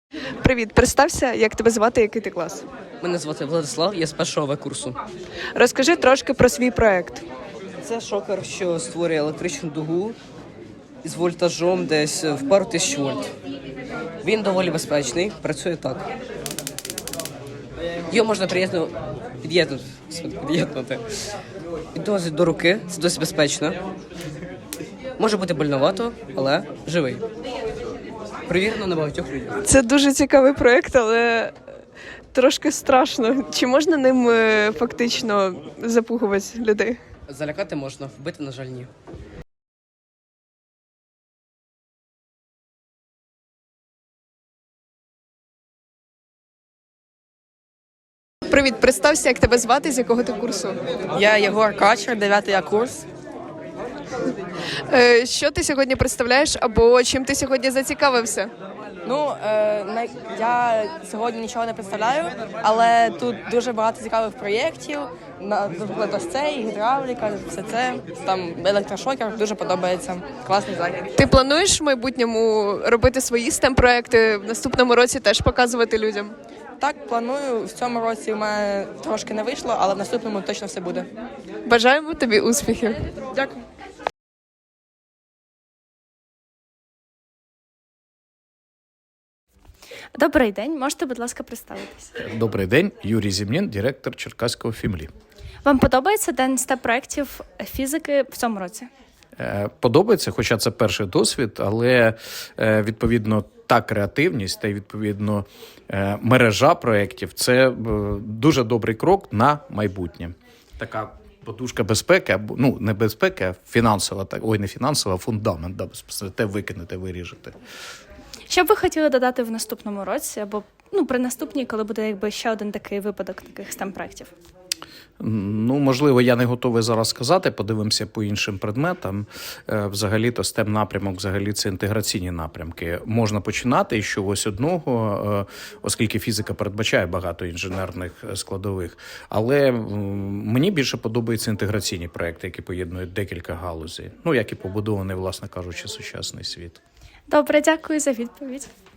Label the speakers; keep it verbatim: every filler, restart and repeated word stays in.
Speaker 1: Привіт, представся, як тебе звати, який ти клас?
Speaker 2: Мене звати Владислав, я з першого В курсу.
Speaker 1: Розкажи трошки про свій проект.
Speaker 2: Це шокер, що створює електричну дугу з вольтажом десь в пару тисяч вольт. Він доволі безпечний, працює так. Його можна приєдну... під'єднути. під'єднути. Підносить до руки, це досить безпечно. Може бути больновато, але живий. Перевірено на багатьох людях.
Speaker 1: Це дуже цікавий проект, але трошки страшно. Чи можна ним е, фактично запугувати людей?
Speaker 2: Залякати можна, вбити, на жаль, ні.
Speaker 1: Привіт, представся, як тебе звати, з якого ти курсу?
Speaker 3: Я Єгор Качер, дев'ятий А курс.
Speaker 1: Е, що ти сьогодні представляєш або чим ти сьогодні зацікавився?
Speaker 3: Ну, е, най- я сьогодні нічого не представляю, але тут дуже багато цікавих проєктів. На- Наприклад, ось цей, гідравліка, все це, там електрошокер, дуже подобається. Класний захід.
Speaker 1: Ти плануєш в майбутньому робити свої стем-проекти, в наступному році теж показувати людям?
Speaker 3: Так, планую, в цьому році в мене трошки не вийшло, але в наступному точно все буде.
Speaker 1: Бажаємо тобі успіхів.
Speaker 3: Дякую.
Speaker 4: Добрий день, можете, будь ласка, представитись.
Speaker 5: Добрий день, Юрій Зімнін, директор Черкаського Фімлі.
Speaker 4: Вам подобається день степ-проєктів фізики в цьому році?
Speaker 5: Е, Подобається, хоча це перший досвід, але е, відповідно та креативність та й відповідно е, мережа проєктів – це е, дуже добрий крок на майбутнє. Така подушка безпеки, або ну не безпеки, а фінансова, так ой, не фінансова, а фундамент, да, безпосередньо, те викинете, виріжете.
Speaker 4: Що б ви хотіли додати в наступному році, або ну, при наступній, коли буде якби ще один такий випадок таких стем-проєктів?
Speaker 5: Ну, можливо, я не готовий зараз сказати, подивимося по іншим предметам. Е, Взагалі-то стем-напрямок, взагалі це інтеграційні напрямки. Можна починати із чогось одного, е, оскільки фізика передбачає багато інженерних складових. Але м, мені більше подобаються інтеграційні проекти, які поєднують декілька галузей. Ну, як і побудований, власне кажучи, сучасний світ.
Speaker 4: Добре, дякую за відповідь.